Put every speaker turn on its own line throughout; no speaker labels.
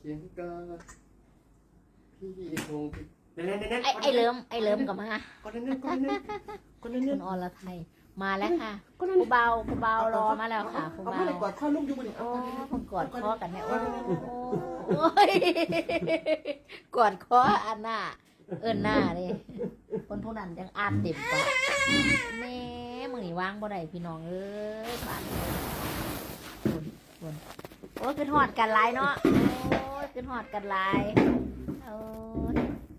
เคียงกันพี่คงเน้น
ไอ้เลิมกับมา
ก็เน้น
คุณอรไทยมาแล้วค่ะกูเบารอมาแล้วค่ะกู
เอา
เบา
ผ้าไหนกอดข้อลุ่มอยู่บนนี้
โอ้คนกอดคอกันเนี่ยโอ้ยกอดคออันหน้าหน้านี่คนผู้นั้นยังอ่านเต็มปากแม่มึงนี่ว่างบ่ได้พี่น้องเอ้ยบาดคนโอ้ยขึ้นหอดกันหลายเนาะโอ้ยขึ้นหอดกันหลายโอ้ย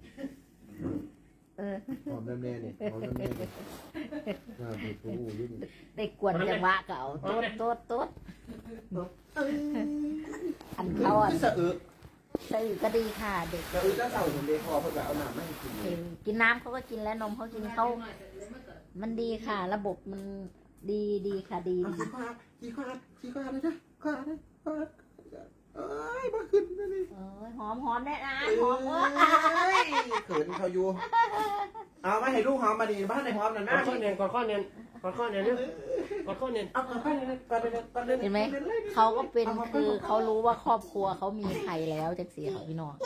หอมแม่เนี่ยหอมแม่เนี่ยผิดผู้ยิ่ง
ได้กวนจังหวะก็เอาโต๊ดอันเขาอ่ะ
สะอึก
ตื่นก็ดีค่ะเด็ก
สะอึกก็เต่าผมเด็กคอเพื่อเอาน้ำให้กิน
กินน้ำเขาก็กินแล้วนมเขากินเขามันดีค่ะ ระบบมันดีค่ะดี
ขี้ข้าเลยนะข้าเลยเอ้ยมาขึ้นเลย
เอ้ยหอมได้นะหอม
เขินเขาอยู่เอาไม่ให้ลูกหอมมาดีบ้านในหอมนั่นนะ
กอดข้อเนียนกอดข้อเนียนกอดข้อเนียนเนี่ยกอดข้อเนียน
เอาก่อนเลย
เห็นไหมเขาก็เป็นคือเขารู้ว่าครอบครัวเขามีใครแล้วจากเสียของพี่น้อง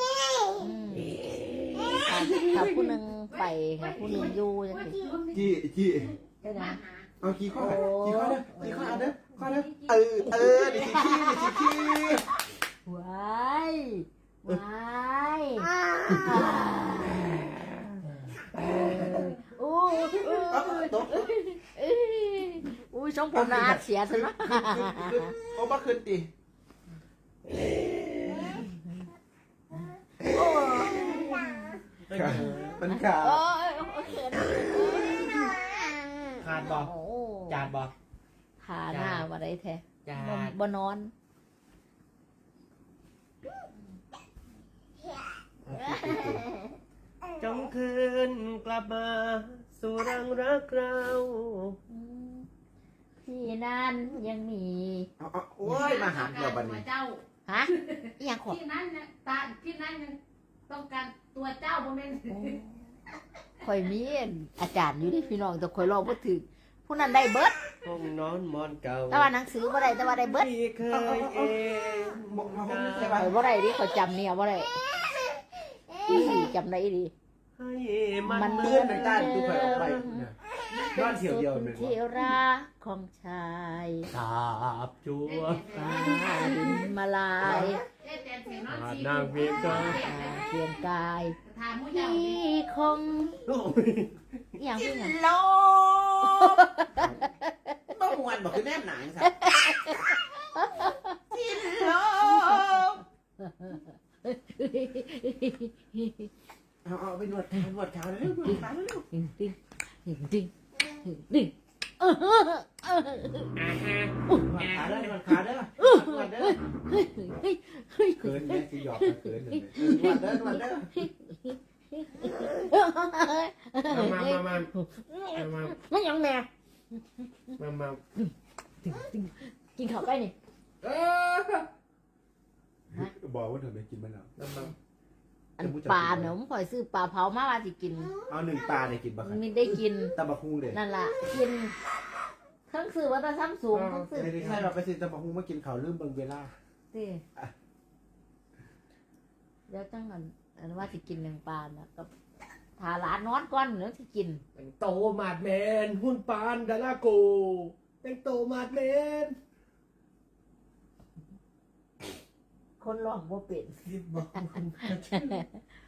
ค่ะผู้หนึ่งไปค่ะผู้หนึ่งอยู่จังสิ
จี้
ใช่ไหม
เอาขี้ข้อเด้ดิขี้
ว้ายโอ้ยช่องผมนะอาจเสียซะนะ
โอ้มาขึ้นตีมันขาด
ขาดบอกจาดบอก
ขาหน้ามาได้แท้
จาด
บ่นอน
จงคืนกลับมาสู่รังรักเรา
พี่นั้นยังมี
โอ้ยมาหาเกี่ยวบันนี้
เจ้า
ฮะอีหยังขอ
ที่นั้นเนี่ยที่นั้นยังต้องการตัวเจ้าบ่แม่น
ข่อยมีอาจารย์อยู่ที่พี่น้องแต่ข่อยลองบ่ถึงผู้นั้นได้เบิด
ห้องนอนมอนเก่า
แต่ว่าหนังสือบ่ได้แต่ว่าได้เบิด
ที่เคยเอง
ข่อยบ่ได้ดิข่อยจำเนี่ยบ่ได้จำได้ดิ
ให้มัน
มัน
เพื่อนในต้านดูใครออกไปนอนเสียวเดียวเลย
ที่รักของชาย
สาบจัว
ฟ้าดินมาลาย
แต่เสียงนอน
อา
สี
นางเพียงก็
เปลี่ยนกาย
ถามผู้ใหญ่
พี่คงอหย่างพี่หยัง
โลต้องมวนบอกคือแนบหนังสัตว์สิ้นโลเอาไปนวดขาเร็ว
ดึง
ขาเด้อเขินแม่สิหยอกเขินเลยนวดเด้อ
มา
ไม่ยังแม่
มา
กินข้าวไปนี่
บอกว่าเธอไม่กินมันแล้ว
อันปลาเนาะผมข่อยซื้อปลาเผามาว่าสิกิน
เอาหนึ่งปลาได้กินบ้าง
มีได้กิน
ตำบักหุ่งเด็ด
นั่นล่ะกินทั้งซื้อว่าตาซ้ำสูงทั้งซื้อ
ใช่เราไปซื้อตำบักหุ่งมากินเขาลืมเบิ่งเวลา
สิเดี๋ยวจังอันว่าสิกินหนึ่งปลานะกับทาร้านนอนก่อนแล้วสิกิน
แต่งโตมาดแมนหุ่นปานดาราโกแต่งโตมาดแมน
คนร้องบ่เป็น